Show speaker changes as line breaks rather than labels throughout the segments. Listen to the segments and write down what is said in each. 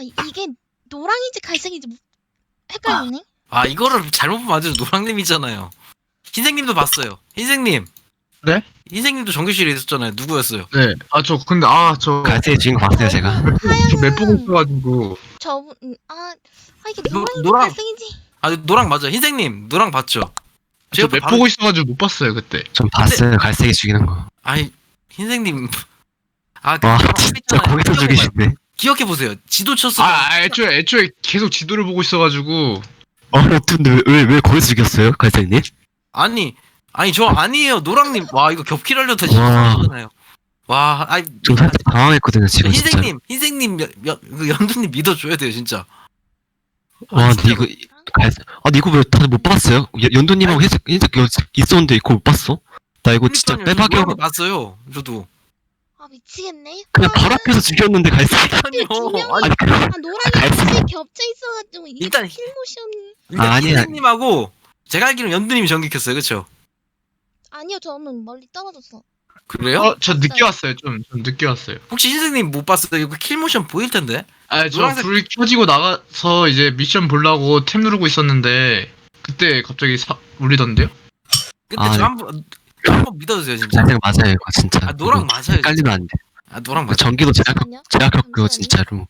이게 노랑인지 갈색인지 헷갈리네.
아 이거를 잘못 보면 안 되죠. 노랑님이잖아요. 흰색님도 봤어요. 흰색님.
네?
흰색님도 전교실에 있었잖아요. 누구였어요?
네. 저 근데 저
갈색 주인공 봤어요 제가.
맵 보고 있어가지고.
저분 이게
노-
노랑인지
노랑.
갈색인지.
아 노랑 맞아. 흰색님 노랑 봤죠?
저 맵 보고 있어가지고 못 봤어요 그때.
전 봤어요 갈색이 죽이는 거.
아니 흰색님. 아
와
노랑
진짜
있잖아요.
거기서 죽이시네.
기억해 보세요. 지도 쳤을
애초에 계속 지도를 보고 있어가지고.
근데 왜 거기서 죽였어요 갈색님?
아니 저 아니에요. 노랑님. 와 이거 겹킬하려다
와.
진짜잖아요. 와 아니
좀 살짝 당황했거든요 지금 진짜.
흰색님 그 연두님 믿어줘야 돼요 진짜.
와
진짜
근데 이거 갈색. 근데 이거 왜 다들 못 봤어요? 연두님하고 흰색 이거 있었는데 이거 못 봤어? 나 이거 진짜
그러니까요.
빼박이어.
노랑님 봤어요. 저도.
미치겠네.
그냥 바로 앞에서 죽였는데 갈색.
아니요.
분명히-
아니
노랑이
갈색.
같이 겹쳐 있어가지고 이게
일단
킬모션.
아니야.
흰색님하고 제가 알기로는 연두님이 전기켰어요. 그쵸?
아니요, 저는 멀리 떨어졌어.
그래요?
저 늦게 왔어요. 좀 늦게 왔어요.
혹시 흰색님 못 봤어요? 이거 킬모션 보일 텐데.
저
노란색-
불 켜지고 나가서 이제 미션 보려고 탭 누르고 있었는데 그때 갑자기 울리던데요?
근데
아,
저 한번 믿어주세요 진짜.
갈색 맞아요 이거 진짜.
아 노랑 맞아요. 진짜.
헷갈리면 안 돼.
아 노랑 맞아.
전기도
잠시만요.
제가 겪고 진짜로.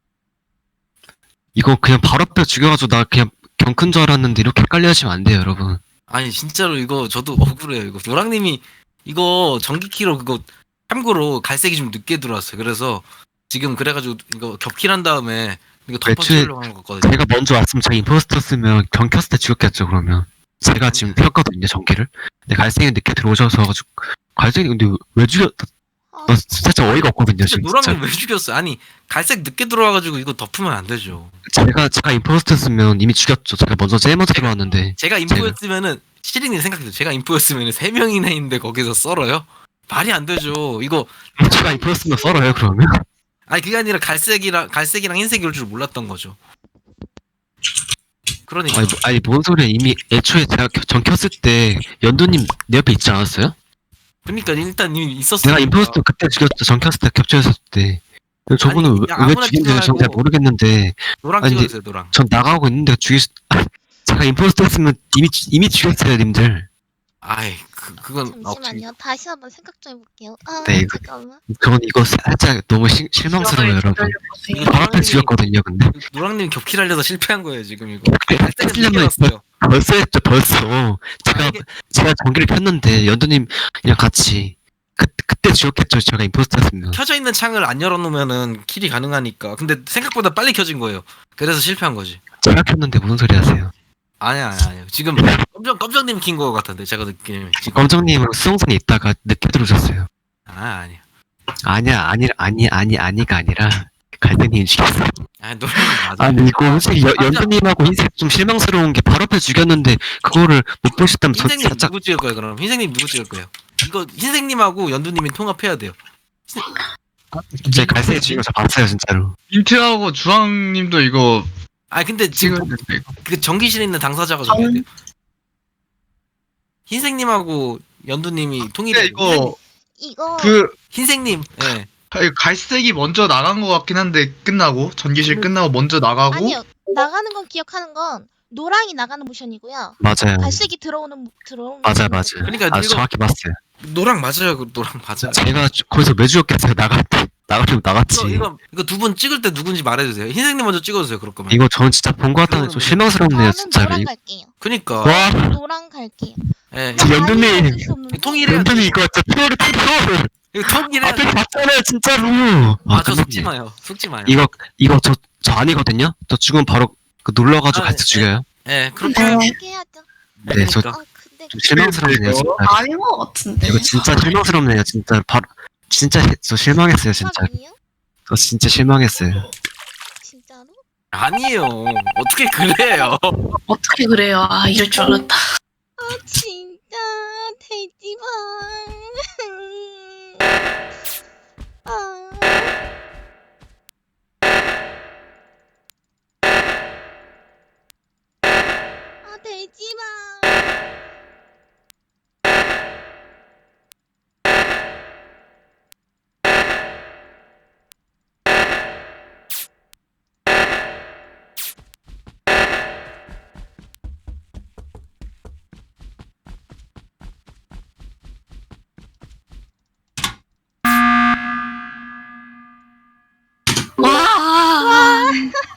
이거 그냥 바로 앞에 죽여가지고 나 그냥 경큰 줄 알았는데 이렇게 헷갈려 하시면 안 돼요 여러분.
아니 진짜로 이거 저도 억울해요. 이거 노랑님이 이거 전기키로 그거 참고로 갈색이 좀 늦게 들어왔어요. 그래서 지금 그래가지고 이거 겹킬한 다음에 이거 덮어치려고 하는 거거든요.
제가 먼저 왔으면 제가 임포스터였으면 경 켰을 때 죽였겠죠 그러면. 제가 지금 켰거든요 전기를. 근데 갈색이 늦게 들어오셔서 가지고 갈색이 근데 왜 죽였? 나 살짝 어이가 없거든요
진짜
지금
노랑님
진짜.
왜 죽였어요? 아니 갈색 늦게 들어와가지고 이거 덮으면 안 되죠.
제가 임포스터였으면 이미 죽였죠. 제가 제일 먼저 들어왔는데.
제가 인포였으면은 시린님 생각해요. 제가 인포였으면은 3명이나 있는데 거기서 썰어요? 말이 안 되죠. 이거
제가 임포스터면 썰어요 그러면.
아니 그게 아니라 갈색이랑 흰색이 올 줄 몰랐던 거죠. 그러니까
아니 뭔 소리야 이미 애초에 제가 전 켰을 때 연두님 내 옆에 있지 않았어요?
그러니까 일단 이미 있었어요.
내가 임포스터 그때 죽였죠. 전 켰을 때 겹쳐있을 때. 근데 저분은
아니,
왜
그냥 아무나
죽인지는 전 잘
찍어가지고.
모르겠는데
노랑
아니,
찍어주세요. 노랑.
전 나가고 있는데 제가 임포스터였으면 이미 죽였어요 님들.
아이 그건
잠시만요. 다시 한번 생각 좀 해볼게요.
네, 이거-
잠깐만.
저는 이거 살짝 너무 실망스러워요 여러분.
이거
바로 앞에 죽였거든요 근데.
노랑님 겹킬하려다 실패한 거예요 지금 이거. 갈색은
겹치려면
늦게 왔어요.
벌써 했죠 벌써.
이게-
제가 전기를 켰는데 연두님 그냥 같이 그때 죽였겠죠 제가 임포스터였으면.
켜져 있는 창을 안 열어놓으면은 킬이 가능하니까. 근데 생각보다 빨리 켜진 거예요. 그래서 실패한 거지.
제가 켰는데 무슨 소리 하세요?
아니야. 지금 껌정님 킨 거 같은데 제가 느낌에 지금.
검정님은 수송선에 있다가 늦게 들어오셨어요.
아니야.
아니가 아니라 갈등님 죽였어.
아니 노랑님 맞아.
아니 이거 솔직히 연두님하고 흰색 좀 실망스러운 게 바로 앞에 죽였는데 그거를 못 보셨다면 저
흰색님
살짝
누구 찍을 거예요 그럼? 흰색님 누구 찍을 거예요? 이거 흰색님하고 연두님이 통합해야 돼요.
제 갈색 죽인 거저 봤어요 진짜로.
민트하고 주황님도 이거
근데 지금
찍었는데
그 전기실에 있는 당사자가 정해야 돼요. 흰색님하고 연두님이 통일해.
이거
흰색님. 예.
갈색이 먼저 나간 것 같긴 한데 끝나고 전기실 끝나고 먼저 나가고
아니요. 나가는 건 기억하는 건 노랑이 나가는 모션이고요.
맞아요.
갈색이 들어오는
맞아요.
그러니까
아주
이거
정확히 봤어요.
노랑 맞아요. 그 노랑 맞아요.
제가 거기서 왜 죽였겠어요? 나가려고 나갔지.
이거 두 분 찍을 때 누군지 말해주세요. 흰색님 먼저 찍어주세요. 그럴 거면.
이거 저는 진짜 본 거 같다는 좀 실망스럽네요
저는
진짜로.
노랑 갈게요.
그니까.
와
노랑 갈게요.
예.
저 연두님.
아니, 어쩔 수 없는데.
통일해야 돼.
연두님 이거 진짜 피어를
이거 통일해야
앞에
돼.
봤잖아요 진짜로.
저
근데
속지 마요. 속지 마요.
이거 저 아니거든요. 저 죽으면 바로 눌러가지고
아,
같이 죽여요.
예. 그렇게.
그렇게 해야죠.
네, 저
그러니까.
근데
좀 실망스럽네요 진짜.
아닌 것 같은데.
이거 진짜 실망스럽네요 진짜. 진짜 저 실망했어요 진짜.
사람이에요?
저 진짜 실망했어요.
진짜로?
아니에요. 어떻게 그래요?
어떻게 그래요? 이럴 줄 알았다.
진짜 돼지방. 아. 돼지방.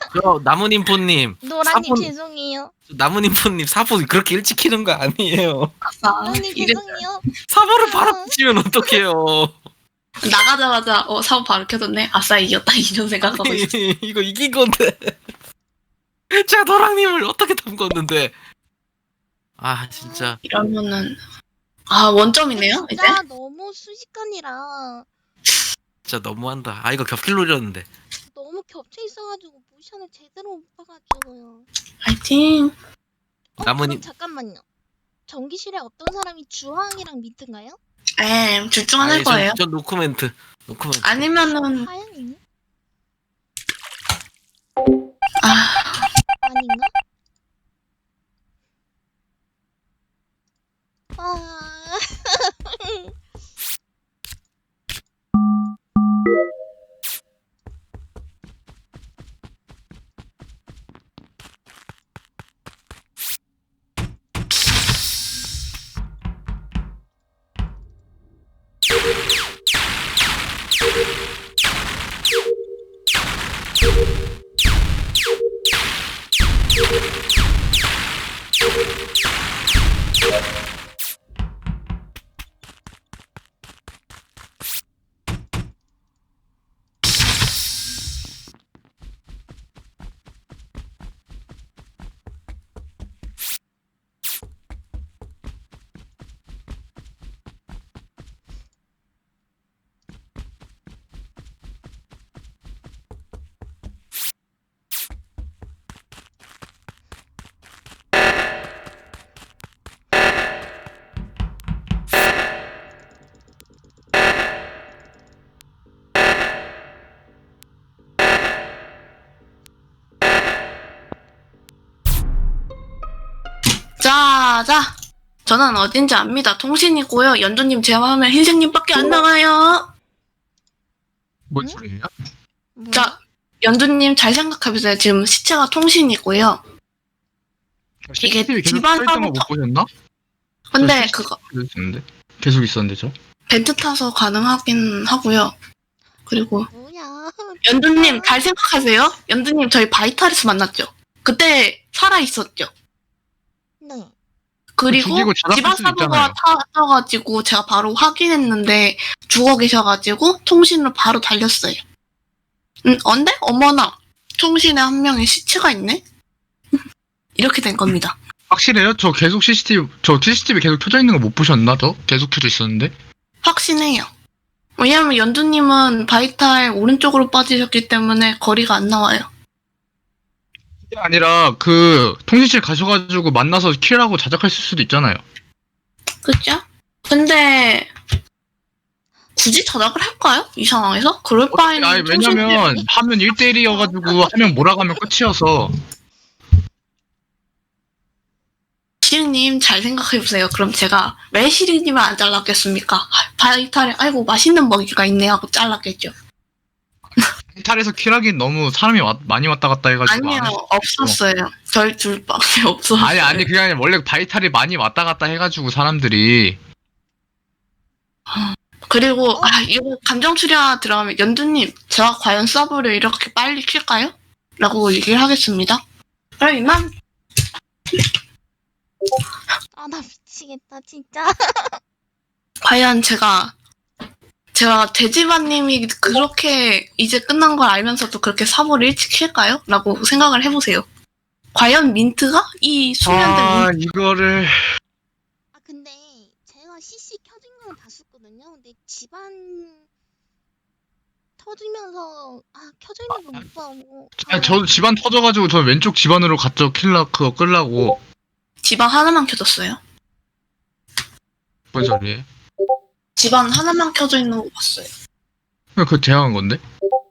저 나무님포님
노랑님
사본-
죄송해요.
나무님포님 사보 그렇게 일찍 키는 거 아니에요.
아싸.
노랑님
이제
죄송해요.
사보를 바로 키면 어떡해요.
나가자마자 사업 바로 켜졌네. 아싸 이겼다 이런 생각하고 있어.
이거 이긴 건데. 제가 노랑님을 어떻게 담궜는데. 아 진짜.
이러면은 원점이네요 이제.
진짜 너무 순식간이라
진짜 너무한다. 아 이거 겹킬 노렸는데.
너무 겹쳐 있어가지고 모션을 제대로 못 봐가지고요.
파이팅.
나무님-
그럼 잠깐만요. 전기실에 어떤 사람이 주황이랑 민트인가요?
둘 중 하나일
아니,
거예요.
전 노코멘트. 노코멘트.
아니면은
하양이네?
아
아닌가? 아
자. 저는 어딘지 압니다. 통신이고요. 연두님 제외하면 흰색님밖에 안 나와요.
뭔
응?
소리예요?
뭐야?
자, 연두님 잘 생각해보세요. 지금 시체가 통신이고요. 이게
CCTV 계속
집안
켜있던 거 못
사고터-
보셨나?
근데
저
그거
계속 있었는데 저.
벤트 타서 가능하긴 하고요. 그리고
뭐야?
연두님 잘 생각하세요. 연두님 저희 바이탈에서 만났죠. 그때 살아 있었죠.
네.
그리고
죽이고 자답할
집안
수도
사고가
있잖아요.
터져가지고 제가 바로 확인했는데 죽어 계셔가지고 통신으로 바로 달렸어요. 언데? 어머나 통신에 한 명의 시체가 있네? 이렇게 된 겁니다.
확실해요? 저 계속 CCTV 계속 켜져 있는 거 못 보셨나? 저 계속 켜져 있었는데.
확신해요. 왜냐면 연두님은 바이탈 오른쪽으로 빠지셨기 때문에 거리가 안 나와요.
그게 아니라 그 통신실 가셔가지고 만나서 킬하고 자작할 수도 있잖아요.
그죠? 근데 굳이 저작을 할까요? 이 상황에서? 그럴 바에는
아니 왜냐면 하면 1대1이어가지고 하면 몰아가면 끝이어서.
시리님 잘 생각해보세요. 그럼 제가 왜 시리님을 안 잘랐겠습니까? 바이탈에 아이고 맛있는 먹이가 있네 하고 잘랐겠죠.
탈에서 킬하긴 너무 사람이 많이 왔다 갔다 해가지고
아니요
안 했어.
없었어요. 저희 둘밖에 없었어요.
아니 그게 아니라 원래 바이탈이 많이 왔다 갔다 해가지고 사람들이.
그리고 이거 감정 추리가 들어가면 연두님 제가 과연 서브를 이렇게 빨리 킬까요? 라고 얘기를 하겠습니다. 그럼 이만.
아 나 미치겠다 진짜.
과연 제가 돼지바님이 그렇게 이제 끝난 걸 알면서도 그렇게 사보를 일찍 킬까요? 라고 생각을 해보세요. 과연 민트가 이 수면된 민트
이거를
아 근데 제가 CC 켜진 건 봤었거든요. 근데 집안 터지면서 켜져 있는 걸 못 보고.
저도 집안 터져가지고 저 왼쪽 집안으로 갔죠. 그거 끌라고.
집안 하나만 켜졌어요.
뭔 소리예요?
집안 하나만 켜져 있는 거 봤어요.
그거 제가 한 건데?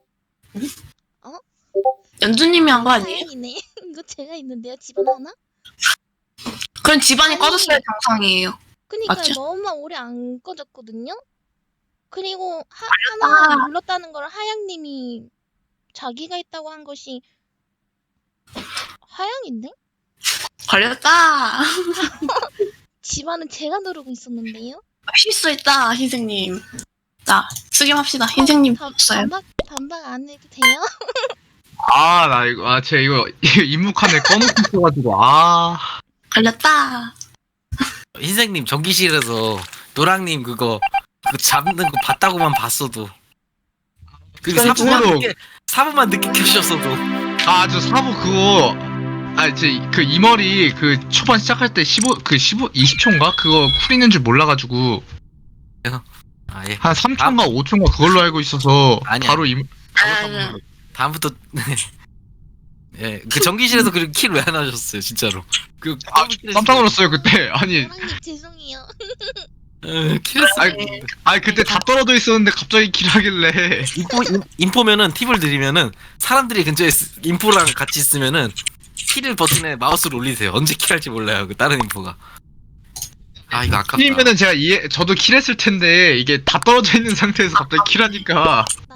연두님이 한 거 아니에요?
다행이네. 이거 제가 있는데요 집안 하나?
그럼 집안이
아니.
꺼졌어야 정상이에요.
그니까
맞죠?
너무 오래 안 꺼졌거든요. 그리고 하나 눌렀다는 걸 하양님이 자기가 했다고 한 것이 하양인데?
걸렸다.
집안은 제가 누르고 있었는데요.
실수했다, 흰색님. 자, 수김합시다. 흰색님
반-
없어요.
반박 안 해도 돼요?
나 이거, 제가 이거 입묵한에 꺼놓고 있어가지고,
걸렸다.
흰색님 전기실에서 노랑님 그거 잡는 거 봤다고만 봤어도 그
그래,
4분만 늦게 켜셨어도
저 사부 그거, 그 이머리 그 초반 시작할 때 20초인가? 그거 쿨 있는 줄 몰라가지고,
예.
한 3초인가 5초인가 그걸로 알고 있어서,
아니야.
바로
아,
다음부터 예, 그 전기실에서 그 킬 왜 안 하셨어요, 진짜로? 그
깜짝 놀랐어요, 그때. 아니,
노랑님 죄송해요.
킬했어요.
그때 다 떨어져 있었는데 갑자기 킬하길래.
인포면은 팁을 드리면은 사람들이 근처에 인포랑 같이 있으면은 킬 버튼에 마우스를 올리세요. 언제 킬할지 몰라요. 그 다른 인포가. 이거 아깝다.
킬이면은 저도 킬했을 텐데, 이게 다 떨어져 있는 상태에서 갑자기 킬하니까.